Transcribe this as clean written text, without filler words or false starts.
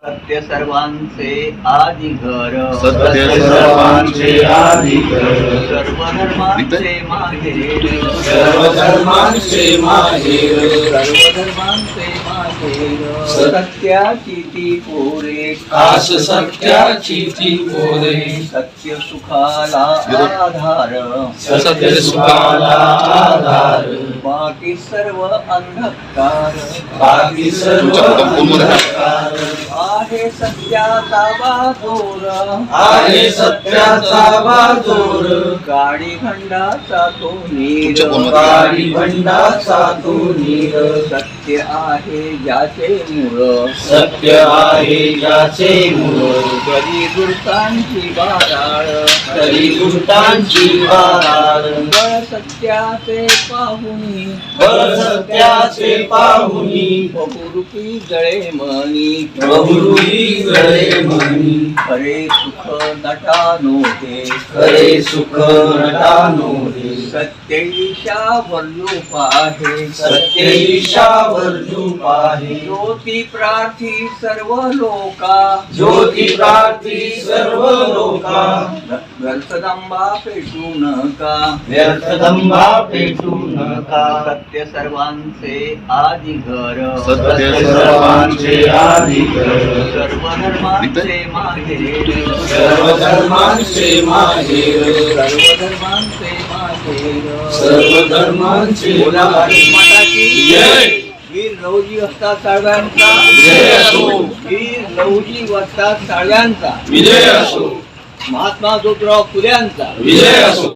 सत्य सर्वांचे आदिघर, सत्य सर्वांचे आदिघर, सर्व धर्मांचे माहेर, सर्व धर्मांचे माहेर, सर्व धर्मांचे माहेर, सत्याची ती पोरे, खास सत्याची ती पोरे, सत्य सुखाला आधार, सत्य सुखाला आधार, बाकी सर्व अंधकार, बाकी सर्व अंधकार, आहे सत्याचा बाजोर, आहे सत्याचा बाजोर, काळी खंडाचा तो नीर, काळी भंडाचा तो नीर, सत्य आहे ज्याचे मूळ, सत्य आहे ज्याचे मूळ, करी दुर्तांची बाराळ, तरी दुष्टांची बाराळ, बळ सत्याचे पाहुनी, बळ सत्याचे पाहुनी, बहुरूपी जळे मनी, बहुरूपी जळे म्हणी, खरे सुख नटानो हे, खरे सुख नटानो हे, सत्य ईशा वल्लूप आहे, सत्य ईशावर रूप आहे, ज्योती प्रार्थी सर्व लोका, ज्योती प्रार्थी सर्व लोका, व्यर्थदंबा पेटू नका, व्यर्थ दंभा पेटू नका, सत्य सर्वांचे आदिघर, सत्य सर्वांचे आदिघर, सर्व धर्मांचे माहेर, सर्व धर्मांचे माहेर, सर्व धर्मांचे माहेर, सर्व धर्मांचे बोला भारत माता की जय. वीर लहुजी वस्ताद साळव्यांचा जय असो. वीर लहुजी वस्ताद साळव्यांचा विजय असो, महात्मा ज्योतिराव फुल्यांचा विजय असो.